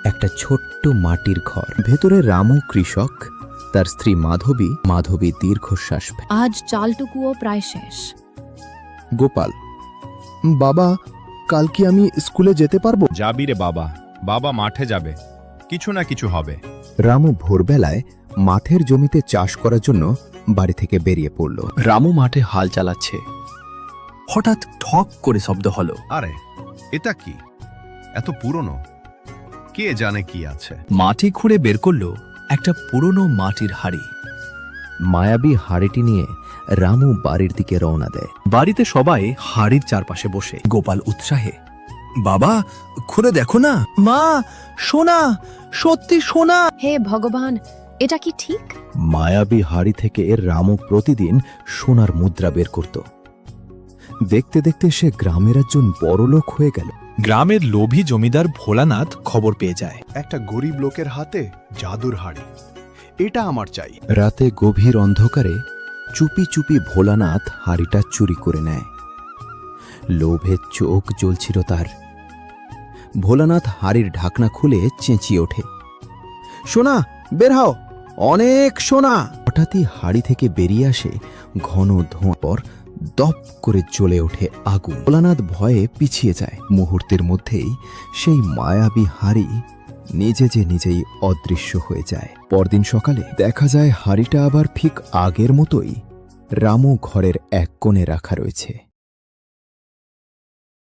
একটা ছোট্ট মাটির ঘর। ভেতরে রামু কৃষক, তার স্ত্রী মাধবী। মাধবী দীর্ঘশ্বাস ফেলে। আজ চালটুকুও প্রায় শেষ। গোপাল, বাবা, কাল কি আমি স্কুলে যেতে পারবো? যাবি রে বাবা, বাবা মাঠে যাবে, কিছু না কিছু হবে। রামু ভোরবেলায় মাঠের জমিতে চাষ করার জন্য বাড়ি থেকে বেরিয়ে পড়ল। রামু মাঠে হাল চালাচ্ছে। হঠাৎ ঠক করে শব্দ হলো। আরে এটা কি? এত পুরনো, কে জানে কি আছে। মাটি খুঁড়ে বের করলো একটা পুরনো মাটির হাড়ি। মায়াবী হাড়িটি নিয়ে রামু বাড়ির দিকে রওনা দেয়। বাড়িতে সবাই হাড়ির চারপাশে বসে। গোপাল উৎসাহে, বাবা খুঁড়ে দেখো না। মা, সোনা, সত্যি সোনা। হে ভগবান, এটা কি ঠিক? মায়াবী হাড়ি থেকে রামু প্রতিদিন সোনার মুদ্রা বের করত। দেখতে দেখতে সে গ্রামের একজন বড়লোক হয়ে গেল। গ্রামের লোভী জমিদার ভোলানাথ খবর পেয়ে যায়। একটা গরিব লোকের হাতে জাদুর হাড়ি, এটা আমার চাই। রাতে গভীর অন্ধকারে চুপি চুপি ভোলানাথ হাড়িটা চুরি করে নেয়। লোভে চোখ জ্বলছিল তার। ভোলানাথ হাড়ির ঢাকনা খুলে চেঁচিয়ে ওঠে, সোনা বের হও, অনেক সোনা। হঠাৎই হাড়ি থেকে বেরিয়ে আসে ঘন ধোঁয়া, পর দপ করে জ্বলে ওঠে আগুন। ভোলানাথ ভয়ে পিছিয়ে যায়। মুহূর্তের মধ্যেই সেই মায়াবী হাড়ি নিজেই অদৃশ্য হয়ে যায়। পরদিন সকালে দেখা যায় হাড়িটা আবার ঠিক আগের মতোই রামু ঘরের এক কোণে রাখা রয়েছে।